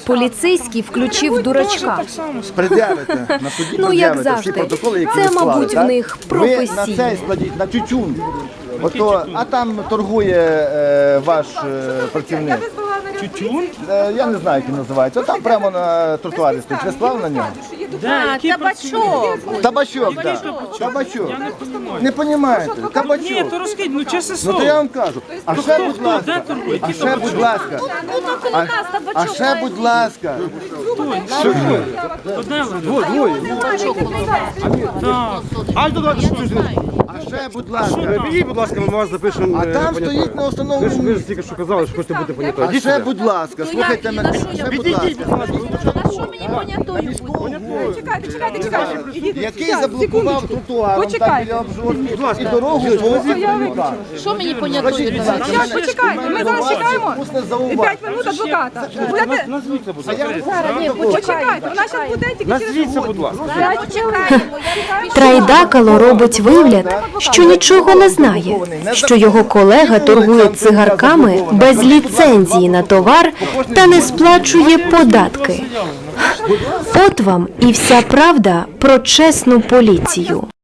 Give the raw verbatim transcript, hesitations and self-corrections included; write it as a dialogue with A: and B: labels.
A: Поліцейський включив дурачка.
B: Пред'явите на суді,
A: Ну, як
B: пред'явите всі
A: завжди.
B: протоколи, які
A: Це,
B: ви склали,
A: мабуть, в
B: так?
A: них
B: Ви на
A: професійно.
B: цей складіть, на тютюн. Ото, а там торгує е, ваш е, працівник.
C: Тютюн?
B: Е, я не знаю, як він називається. Там прямо на тротуарі стоїть. Ви склали на нього?
C: Да, який табачок.
B: Табачок, так. Табачок. Не розумієте?
C: Ні,
B: Табачок.
C: то розкидь, ну чесне
B: Ну
C: слово.
B: то я вам кажу. А
C: То
B: ще,
C: хто,
B: будь
C: хто,
B: ласка,
C: де торгує?
B: а
C: Який
B: ще, будь ласка, а, а ще, будь ласка,
C: Одне
B: Двоє, двоє.
C: Так.
D: Ай, то давайте щось.
B: А ще, будь ласка.
D: Підійдіть, будь ласка, ми вас запишемо.
B: А
D: е,
B: там
D: понятою.
B: стоїть на
D: Ви ж,
B: основному
D: ви ж
B: місці.
D: тільки що казали, що хочете бути понятою.
B: А
D: Ідіть
B: ще,
D: сюди.
B: будь ласка, слухайте мене. Ще, будь
D: Підійдіть, будь
B: ласка.
D: ласка.
A: На що мені понятою бути?
E: Чекайте, чекайте, чекайте. Ідіть,
B: Який
E: щас,
B: заблокував
E: секундочку.
B: тротуаром, так
E: Почекайте.
B: біля обжорки, і дорогу по Іванюка.
A: Що мені
B: Скажіть,
A: понятою
B: будь ласка,
E: Щас,
B: мене-
E: почекайте, ми
B: мене
E: зараз
B: до вас
E: чекаємо.
B: усне
E: П'ять
B: зауваження.
E: минут адвоката. Будете?
D: Назвіться, будь ласка.
E: Почекайте, вона зараз буде тільки через
D: Назвіться, будь ласка.
A: Трайдакало робить вигляд, що нічого не знає, що його колега торгує цигарками без ліцензії на товар та не сплачує податки. От вам і вся правда про чесну поліцію.